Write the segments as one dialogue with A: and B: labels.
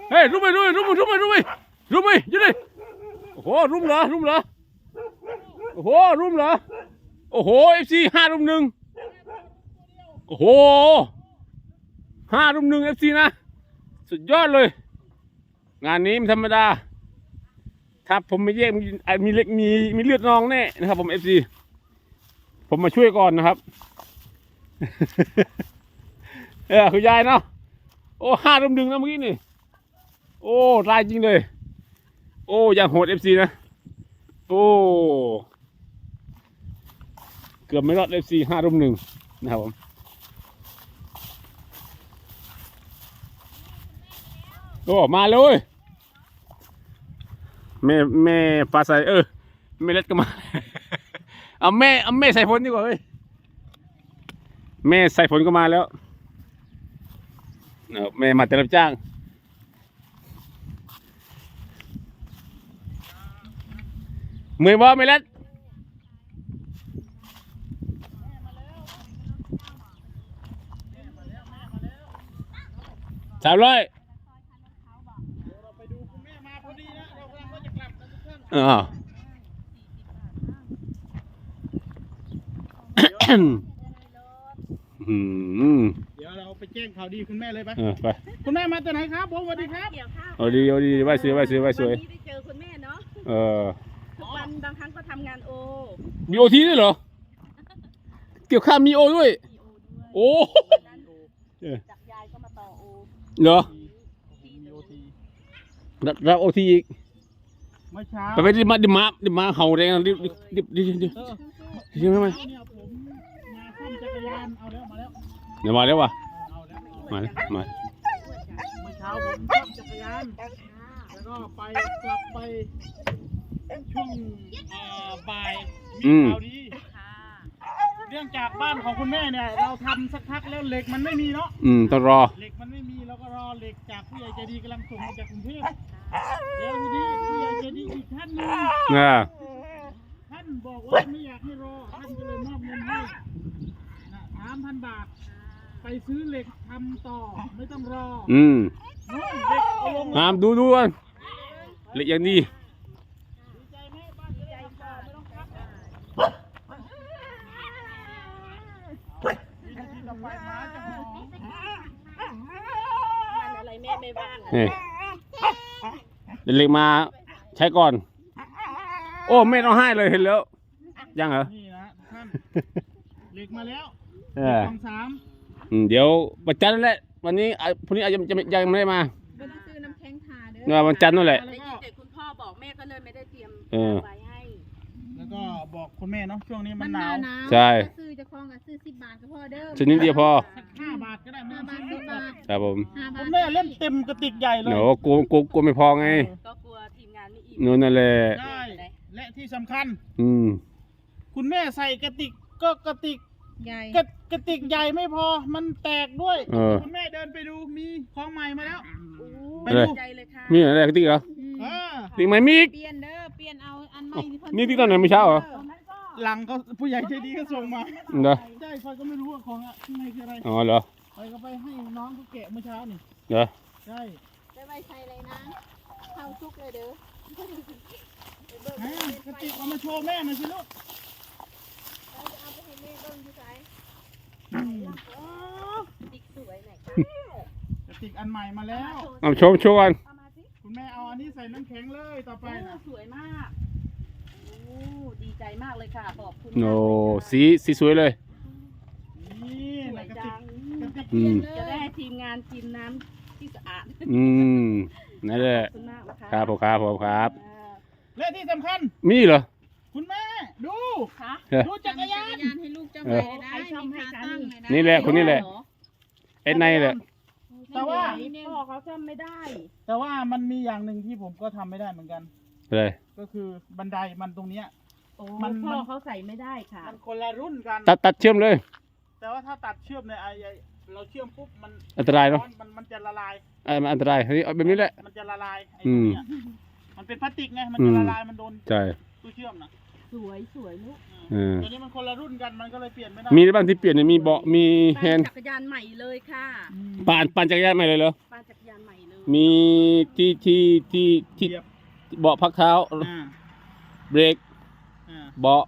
A: เฮ้ยรุมไปยืนเลยโอ้โหรุมเหรอโอ้โหรุมเหรอโอ้โหFC 5-1โอ้โห5-1 FC นะสุดยอดเลยงานนี้ไม่ธรรมดาถ้าผมไม่แยกมีเล็กมีเลือดนองแน่นะครับผม FC ผมมาช่วยก่อนนะครับ คุณยายเนาะโอ้5-1นะเมื่อกี้นี่โอ้ลายจริงเลยโอ้ยังโหด FC นะโอ้เกือบไม่รอด FC 5-1นะครับผมโอ้มาเลยแม่ฟ้าใสแม่เล็ดก็มา เอาแม่ใส่ฝนดีกว่าเฮ้ยแม่ใส่ฝนก็มาแล้วแม่มาแต่รับจ้างมือบ่ไม่เล็ด300
B: ไปดูคุณแม่มาพอดีนะเรากำลังจะกลับกันทุกท่าน เดี๋ยวเราไปแจ้งข่าวดีคุณแม่เลยไป
A: ไป
B: คุณแม่มาแต่ไหนครับผมสวัสดีครับ
A: เอาดีไหว้สวย
C: วันนี้ได้เจอคุณแม่เนาะทุกวันบางครั้งก็ทำงานโอ
A: มีโอทีด้วยเหรอเกี่ยวข้าวมีโอด้วยโอ้
C: จากยายก็มาต่อโอ
A: เหรอ
B: มีโอที
A: รับโอทีอีก
B: เมื่อเช้า
A: ไปดิมาเห่าแรงดิไหม
B: เนี่ยผมมาซ่อมจักรยานเอาแล้วมาแล้ว
A: เดี๋ยวมาแล้ววะ
B: เอาแล้ว
A: มา
B: เมื่อเช้าผมซ่อมจักรยานแล้วก็ไปกลับไปช่วงบ่ายมีข่าวดีเรื่องจากบ้านของคุณแม่เนี่ยเราทำสักพักแล้วเหล็กมันไม่มีเนาะ
A: ต้องรอ
B: เหล็กมันไม่มีแล้วก็รอเหล็กจากผู้ใหญ่ใจดีกำลังส่งมาจากกรุงเทพแล้วทีนี้ผู้ใหญ่ใจดีอีกท่านหนึงท่านบอกว่าไม่อยากให้รอท่านก็เลยมอบเงินให้3,000 บาทไปซื้อเหล็กทำต่อไม่ต้องรอนู่นเหล็กเอาลง
A: งามดูกันเหล็กอย่างนี้
B: ดีใจไหมบ้านใจค่ะไม่ต้องพักวินาทีต่อไปมาจะหอม
C: มันอะไรแม่ไม่ว่าง
A: เหล็กมาใช้ก่อนโอ้ไม่ต้องให้เลยเห็นแล้วยังเหรอ
B: นี่นะท่านเหล็กมาแล้วกอง
A: เดี๋ยววันจันทร์นั่นแหละวันนี้พรุ่งนี้อาจจะยังไม่ได้มา
C: ไม่ได้ซื้อน้ำแข็งทาเด้อ
A: วันจันทร์นั่นแหละ
C: แต่คุณพ่อบอกแม่ก็เลยไม่ได้เตรียมไว้ให้
B: แล้วก็บอกคุณแม่เนาะช่วงนี้มันหนาว
A: ใช่
C: ซื้อจะคล้องกับซื้อ10 บาทก็พอเด้อ
A: ชิ้นนี้เดียวพอ
B: 5 บาทก็ได้ไม่ต้องซื้อ10 บาท
A: ครับผม
B: คุณแม่เล่นเต็มกระติกใหญ่เลย
A: โอ้กลัวไม่พอไง
C: ก็กลัวทีมงานไม่อิ่
A: มนั่นแหละ
B: ใช่และที่สำคัญคุณแม่ใส่กระติกก็กระติก
C: ใหญ่
B: กระติกใหญ่ไม่พอมันแตกด้วยคุณแม่เดินไปดูมีของใหม่มาแล้ว
C: ไปดูใจเลยค่ะ
A: มีอะไรกระติกเหรอติกใหม่มี
C: เปลี่ยนเด้อเปลี่ยนเอาอันใหม่
A: นี่ติกตอนไหนไม่เช้าเหรอ
B: หลังก็ผู้ใหญ่ใจดีก็ส่งมา
A: เหรอ
B: ใช่คอยก็ไม่รู้ว่าของข้างในคืออะไร
A: อ๋อเหรอ
B: คอยก็ไปให้น้องเขาแกะเมื่อเช้านี่
A: เหรอ
B: ใช่
C: ได้ไว้ใช้เลยนะเข้าซุกเลยเด้
B: อกระติกเอามาโชว์แม่หน่อยสิลูก
C: เอาไปให้แม่ต้นที่ไหนติ๊กสวยไหนคะ
B: กระติกอันใหม่มาแล้ว
A: เอาโชว์กัน
B: คุณแม่เอาอันนี้ใส่น้ำแข็งเลยต่อไปนะ
C: สวยมากโอ้ดีใจมากเลยค่ะขอบคุณ
A: โอ้สีสวยเลย
B: นี่กระติก
C: จะได้ให้ทีมงานกินน้ำที่สะอาด
A: นั่นแหละครับผมครับ
B: และที่สำคัญ
A: มีเหรอ
B: คุณแม่ดูจักรยาน
C: ให้ลูกเจ้าใหม่ได้มีขาตั้ง
A: นี่แหละคนนี้แหละไอ้ในแหละ
B: แต่ว่า
C: พ่อเขาทำไม่ได้
B: แต่ว่ามันมีอย่างหนึ่งที่ผมก็ทำไม่ได้เหมือนกัน
A: เลย
B: ก็คือบันไดมันตรงเนี้ย
C: มันพ่อเขาใส่ไม่ได้ค่ะ
B: มันคนละรุ่นกัน
A: ตัดเชื่อมเลย
B: แต่ว่าถ้าตัดเชื่อมเนี่ยเราเชื่อมปุ๊บมัน
A: อันตรายเนาะ
B: มันจะละลาย
A: มันอันตรายเฮ้ยแบบนี้แหละ
B: มันจะละลายไอ้ตรงเนี้ยมันเป็นพลาสติกไงมันจะละลายมันโดนตู้เชื่อมนะ
C: สวยลูก
B: ตัวนี้มันคนละรุ่นกันมันก็เลยเปลี่ยนไม่ได้
A: มีบ้างที่เปลี่ยนมีเบาะมีแฮนด์
C: จักรยานใหม่เลยค่ะ
A: ปั่นจักรยานใหม่เลยเหรอ
C: ปั่นจักรยานใหม่เลย
A: มีที่
B: เหยียบ
A: เบาะพักเท้า เบรก เบาะ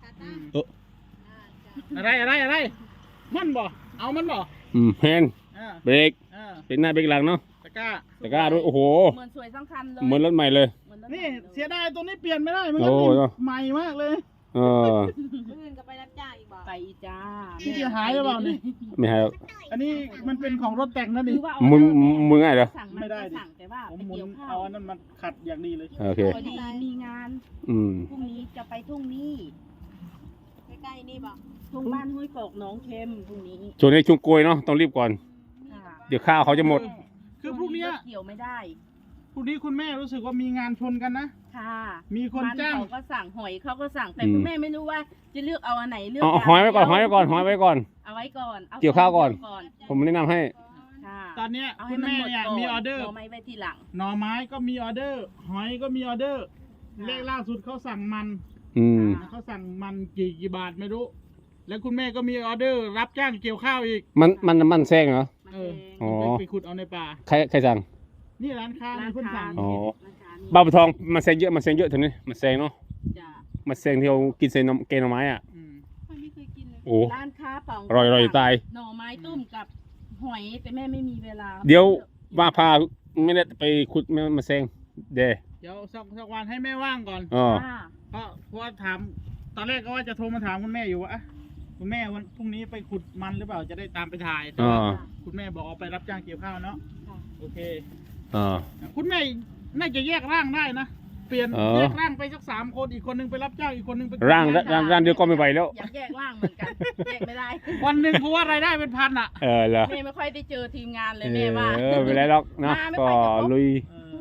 B: อะไรมันบ่เอามันบ่
A: แฮนด์
B: อ่า
A: เบรก
B: อ่า
A: เป็นหน้าเบรกหลังเนาะ
B: ตะกร้า
A: ตะกร้าด้วยโอ้โห
C: เหมือนสวยสำคัญเลย
A: เหมือนรถใหม่เลย
C: เหมือนรถ
B: นี่เสียดายตัวนี้เปลี่ยนไม่ได้มันก็
A: โอ้
B: เป็น
A: เนอะ
B: ใหม่มากเลย
A: เออ
C: อื่นก็ไปรับจ้างอีกบ่ไปอีจ้า
B: นี่จะหายหรือเปล่านี่
A: ไม่ให้หรอก
B: อันนี้มันเป็นของรถแต่งนะนี่
C: คือว่า
A: มึงง่ายเหรอ
C: สั่ง
B: ไม่ได้ดิ
C: สั่งแต่ว่า
B: ผม
C: ไป
B: หมุน
C: เกี่ยวข้า
B: เอา
C: ว
B: อันนั้นมันขัดอย่างดีเลย
A: โอเค
C: พอดีมีงาน
A: อืม
C: พรุ่งนี้จะไปทุ่งนี้ใกล้ๆนี่บ่ทุ่งบ้านห้วยโปกหนองเค็มพรุ่งนี้
A: ช่วงนี้ช่วงโกยเนาะต้องรีบก่อน
C: ค่ะ
A: เดี๋ยวข้าวเขาจะหมด
B: คือพรุ่งเนี้ย
C: เกี่ยวไม่ได้
B: พรุ่งนี้คุณแม่รู้สึกว่ามีงานชนกันนะ
C: ค่ะ
B: มีคนจ้าง
C: เขาก็สั่งหอยเขาก็สั่งแต่
A: อืม
C: คุณแม่ไม่รู้ว่าจะเลือกเอาอันไหนเลือก
A: เอาหอยไว้ก่อนหอยไว้ก่อนหอยไว้ก่อน
C: เอาไว้ก่อนอ
A: เกี่ยวข้าวก่อน
C: ก่อน
A: ผมแนะนำให้
C: ค่ะ
B: ตอนเนี้ย
C: เอา
B: คุ
C: ให้
B: ณ
C: มัน
B: แม่
C: หมด
B: เนี่ย
C: ก่อน
B: มีออเดอร์
C: เอาไม้ไว้ทีหลัง
B: หน่อไม้ก็มีออเดอร์ หอยก็มีออเดอร์ เลขล่าสุดเขาสั่งมัน
A: อืม
B: เขาสั่งมันกี่บาทไม่รู้ แล้วคุณแม่ก็มีออเดอร์ รับจ้างเกี่ยวข้าวอีก
A: มันแซงเหรอ
C: มัน
B: เออ
C: แพง
A: อ๋อ
B: ไปขุดเอาในป่า
A: ใครสั่ง
B: นี่ร้านค้า
C: ร้า
B: มี
C: น
B: คน
C: ค้า
B: สั่ง
A: อ๋อ
C: ร้านค้านี่
A: บ้าปะทองมันแซงเยอะทีนี้มันแซงเนาะ
C: จ้ะ
A: มันแซงที่เรากินเซนมเกนหน่อไม้อ่ะ
B: อืม
C: ไม่เคยกินเลย
A: โอ้
C: ร้านค้าป๋อง
A: อร่อยตาย
C: หน่อไม้ต้มกับหอยแต่แม่ไม่มีเวลา
A: เดี๋ยวว่าพาไม่ได้ไปขุดมาแซงเด
B: เดี๋ยวสักวันให้แม่ว่างก่อน
A: อ๋อ
C: ค่ะ
B: เพราะว่าถามตอนแรกก็ว่าจะโทรมาถามคุณแม่อยู่ว่าคุณแม่วันพรุ่งนี้ไปขุดมันหรือเปล่าจะได้ตามไปถ่ายแต่
A: อ๋อ
B: ว่าคุณแม่บอกเอาไปรับจ้างเกี่ยวข้าวเนาะ
C: ค่ะ
B: โอเค
A: อ๋อ
B: คุณแม่น่าจะแยกร่างได้นะเปลี่ยน
A: อ๋อ
B: แยกร่างไปสัก3 คนอีกคนนึงไปรับจ้างอีกคนนึงไป
A: ร่างเดียวก็ไม่ไหวแล้ว
C: อยากแยกร่างเหมือนกันแยกไม่ได้
B: วันหนึ่งเพราะว่ารายได้เป็นพันอ่ะ
A: เออเหรอ
C: แม่ไม่ค่อยได้เจอทีมงานเลยแม่ว่า
A: ไม่เป็นไรหรอกเนาะ
C: มาไม่
A: ก็
C: ค่อยจะพบ
A: ลุย
B: เออก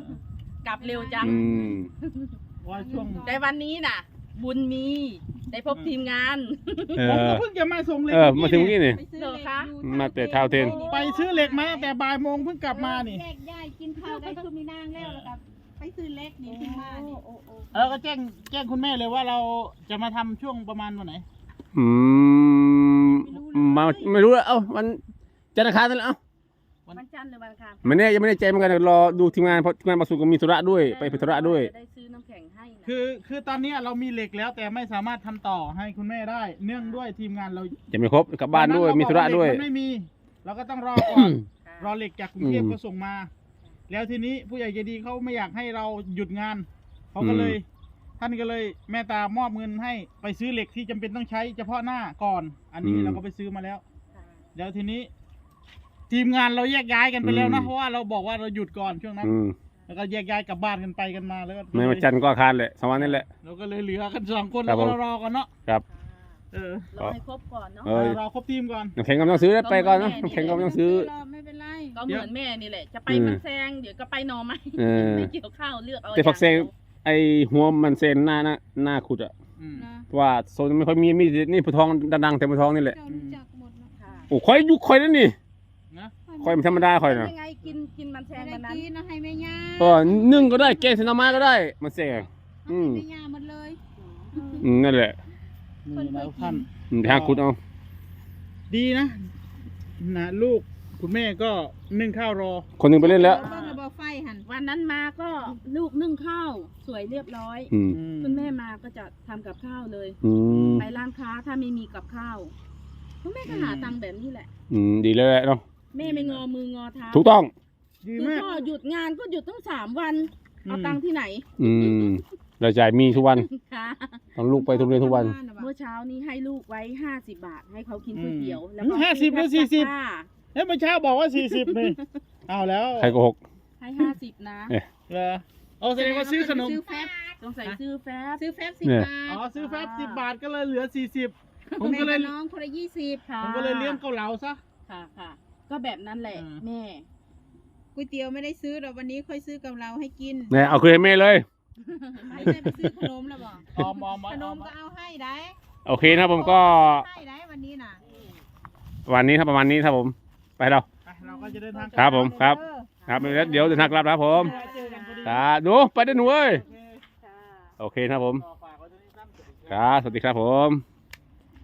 C: ลับเร็วจัง
A: อืม
B: ว่าช่วง
C: แต่วันนี้น่ะ บุญมีได้พบทีมงาน
A: เอ
B: ผมก็
A: อ
B: เพิ่งจะมาส่งเหล็ก
A: มาถึงเมื่อกี้นี่
C: เหรอคะ
A: มาแต่เท้าเทน
B: ไปซื้อเหล็กมาตั้งแต่บ่ายโมงเพิ่งกลับมานี่
D: แยกย้ายกินข้าวได้คือมีนางแล้วแล้วก็ไปซื้อเล็กนี่ขึ้นมานี่
B: แล้วก็แจ้งคุณแม่เลยว่าเราจะมาทำช่วงประมาณวันไหน
A: อืมมาไม่รู้แล้วเอ้าวันจันทร์อังคารนั่นแหละเอ้า
C: วันจันทร์หรือวันอังคาร
A: ไม่แน่ยังไม่ได้ใจเหมือนกันรอดูทีมงานเพราะทีมงานมาสู่ก็มีธุระด้วยไปธุระด้วย
C: จะได้ซื้อน้ำแข็งให้นะ
B: คือตอนนี้เรามีเหล็กแล้วแต่ไม่สามารถทำต่อให้คุณแม่ได้ เนื่องด้วยทีมงานเรา
A: จะไม่ครบกลับบ้านด้วยมีธุระด้วย
B: มันไม่มี เราก็ต้องรอก่อน รอเหล็กจากกรุงเทพเขาส่งมา แล้วทีนี้ผู้ใหญ่ใจดีเขาไม่อยากให้เราหยุดงานเขาก็เลย ท่านก็เลยแม่ตามอบเงินให้ไปซื้อเหล็กที่จำเป็นต้องใช้เฉพาะหน้าก่อน อันนี้เราก็ไปซื้อมาแล้ว
C: ค่ะ
B: แล้วทีนี้ ทีมงานเราแยกย้ายกันไปแล้วนะ
A: อืม
B: เพราะว่าเราบอกว่าเราหยุดก่อนช่วงนั้น
A: อืม
B: แล้วก็แยกย้ายกลับบ้านกันไปกันมาแล้วก็
A: ไม่มาจันทร์ก็อาคารแหละสองวันนี่แหละ
B: เราก็เลยเหลือกัน2 คน
A: ครั
B: แล้
A: บ
B: ว
A: ผม
B: ก็รอกันเนาะ
A: ครับ
B: เออ
C: รอให้ครบก่อนเนาะ
A: เออ
B: เราครบทีมก่อน
A: น้ำแข็งก็ไม่ต้องซื้อแล้วไปก่อนเนาะน้ำแข็งก็ไม่ต้องซื้อ
D: ไม่เป็นไร
C: ก็เหมือนแม่นี่แหละ จะไป
A: อืม
C: มันแซงเดี๋ยวก็ไปหนอไม้
A: เออ
C: ไม่เกี่ยวข้าวเลือกเอา
A: แต่ฝักแซง
C: อย่างเดียว
A: ไอหัวมันเซนหน้าขุดอ่ะ
B: อืม
D: นะ
A: ว่าโซนไม่ค่อยมีนี่ผู้ทองดังๆแต่ผู้ทองนี่แหละ
D: เจ้ารู้จักหมดนะ
C: ค่ะ
A: โอ้ค่อยยุคค่อยนั่นนี่
B: นะ
A: ค่อยมันธรรมดาค่อยนะ
C: ยังไงกินมันแซ
D: ไม่
C: ง
D: ได้
C: วันนั้น
D: กินนะให้แม่ย่า
A: นึ่งก็ได้แกงเสนามาก็ได้มันแซง อืม
D: ให้แม่ย่าหมดเลย
A: นั่นแหละ
B: นี่นะท่าน
A: ทางขุดเอา
B: ดีนะนะลูกคุณแม่ก็นึ่งข้าวรอ
A: คนหนึงไปเล่นแล้ว
D: เบิ่งระเบิดไฟหัน
C: วันนั้นมาก็ลูกนึ่งข้าวสวยเรียบร้อย
A: อืม
C: คุณแม่มาก็จะทำกับข้าวเลย
A: อืม
C: ไปร้านค้าถ้าไม่มีกับข้าวคุณแม่ก็หาตังค์แบบนี้แหละ
A: ดีเลยแหละเนาะ
C: แม่ไม่งอมืองอเท้า
A: ถูกต้อง
B: ดี
C: คือ
B: มาก
C: พ่อหยุดงานก็หยุดตั้ง3 วัน เอา
B: อืม
C: ตังค์ที่ไหน
A: อืมรายจ่ายมีทุกวัน
C: ค่ะ
A: ต้องลูกไปทุกเรียนทุกวัน
C: เมื่อเช้านี้ให้ลูกไว้50 บาท ให้เขากินก๋วยเตี๋ยวแล้ว
B: อื
C: ก็
B: ม50หรือ40
C: ค่ะ
B: เฮ้ยเมื่อเช้าบอกว่า40นี่เอาแล้ว
A: ใครโกหก
C: ให้50นะ
B: เหรอเอาแสดงว่าซื้อขนม
D: ซื้อแฟบ
C: สงสัยซื้อแฟบ
D: ซื้อแฟบ
A: เนี่ย
D: 10 บาท
B: อ๋อซื้อแฟบ10 บาทก็เลยเหลือ40ผม
D: แม่
B: ก็เลย
D: กับน้องคนละ20
C: ค่ะ
B: ผมก็เลยเลี้ยงเกาเหลาซะ
C: ค่ะค่ะ ก็แบบนั้นแหละ
B: อ่า
C: แม่
D: ก๋วยเตี๋ยวไม่ได้ซื้อหรอกวันนี้ค่อยซื้อกับเราให้กิน
A: เนี่ยเอาคืนให้แม่เลย
D: ไม่ได้ไปซื้อขนมแล้วบอก
B: ออม
D: ขนมก็เอาให้ได้
A: โอเคนะผมก็
D: ให้ได้วันนี้น่ะ
A: วันนี้ครับประมาณนี้ครับผม ไปเรา
B: เราก็จะเดินทาง
A: ครับผมครับ
D: เด้อ
A: ครับเดี๋ยวเดินทางกลับนะครับผม
B: เจอกันพอดี
A: ครับหนูไปเด้อหนูเอ้ย
B: โอเค
A: โอเคนะครับผม
B: ต่อฝากไว้ตรงนี้สั้น
A: ครับสวัสดีครับผม